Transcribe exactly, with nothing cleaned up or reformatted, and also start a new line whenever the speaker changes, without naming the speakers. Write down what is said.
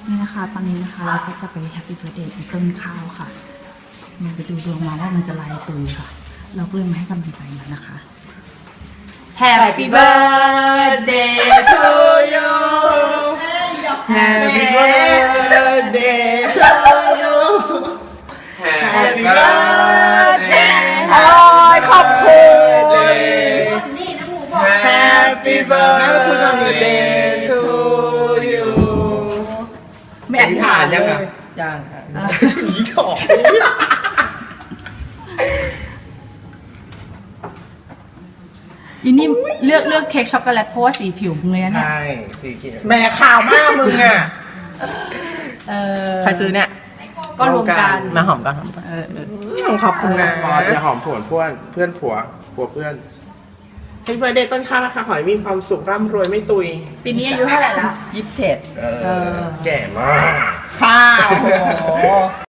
นี่นะคะตอนนี้นะคะเราก็จะไปแฮปปี้เบิร์ดเดย์ต้นข้าวค่ะมันไปดูดวงมาว่ามันจะลายตุยค่ะ เราก็เลยมาให้กำลังใจมันนะคะ
Happy birthday to you Happy birthday to you Happy birthday
โอ้ยขอบคุณ
Happy birthday to you
ไม่
อธิษฐานยังอ่ะ
ยังค่ะ
ผีถอก
อินนี่เลือกเลือกเค้กช็อกโกแลตเพราะว่าสีผิวมึงเลยนะเนี่ย
ใช่สีเขียวแม่ข่าวมากมึงอ่ะ
เออ
ใครซื้อเนี่ย
ก็รวมกัน
มาหอมกันหอมกัน
เออเออ
ขอบคุณนะ
พอจะหอมผวนเพื่อนเพื่อนผัวผัวเพื่อนให้เบอร์เดย์ต้นข้าวนะคะขอให้มีความสุขร่ำรวยไม่ตุย
ปีนี้อายุเท่าไหร่แล้ว
ยี่สิบเจ็ด
เออแก่มาก
ข้าว